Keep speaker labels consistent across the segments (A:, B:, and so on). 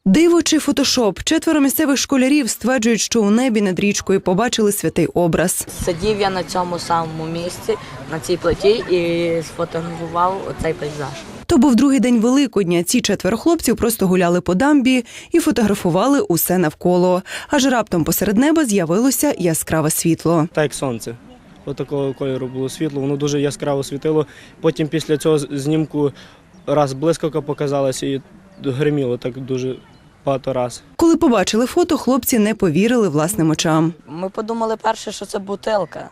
A: Диво чи фотошоп? 4 місцевих школярів стверджують, що у небі над річкою побачили святий образ.
B: Сидів я на цьому самому місці, на цій плиті і сфотографував оцей пейзаж.
A: То був другий день Великодня. Ці 4 хлопців просто гуляли по дамбі і фотографували усе навколо. Аж раптом посеред неба з'явилося яскраве світло.
C: Так як сонце. Отакого кольору було світло, воно дуже яскраво світило. Потім після цього знімку раз блискавка показалася і гриміло так дуже багато раз.
A: Коли побачили фото, хлопці не повірили власним очам.
B: Ми подумали перше, що це бутилка,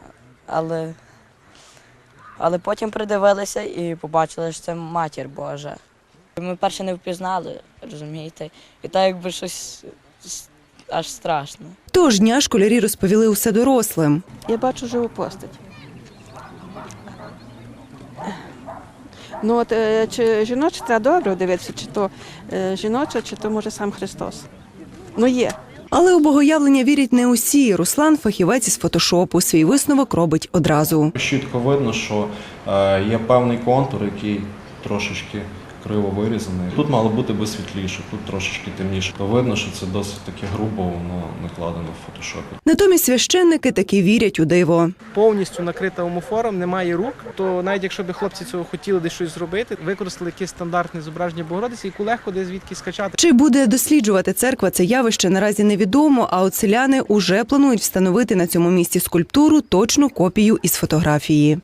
B: але потім придивилися і побачили, що це Матір Божа. Ми перше не впізнали, розумієте, і так якби щось аж страшно.
A: Того ж дня школярі розповіли усе дорослим.
D: Я бачу живу постать. Ну от чи жіноча, треба добре дивитися, чи то жіноча, чи то може сам Христос. Ну є.
A: Але у богоявлення вірять не усі. Руслан – фахівець із фотошопу. Свій висновок робить одразу.
E: Чітко видно, що є певний контур, який трошечки криво вирізаний. Тут мало бути би світліше, тут трошечки темніше. То видно, що це досить таки грубо, воно накладено в фотошопі.
A: Натомість священники таки вірять у диво.
F: Повністю накрита омофором, немає рук, то навіть якщо б хлопці цього хотіли десь щось зробити, використали якесь стандартне зображення Богородиці, яку легко десь звідки скачати.
A: Чи буде досліджувати церква це явище, наразі невідомо, а от селяни уже планують встановити на цьому місці скульптуру, точну копію із фотографії.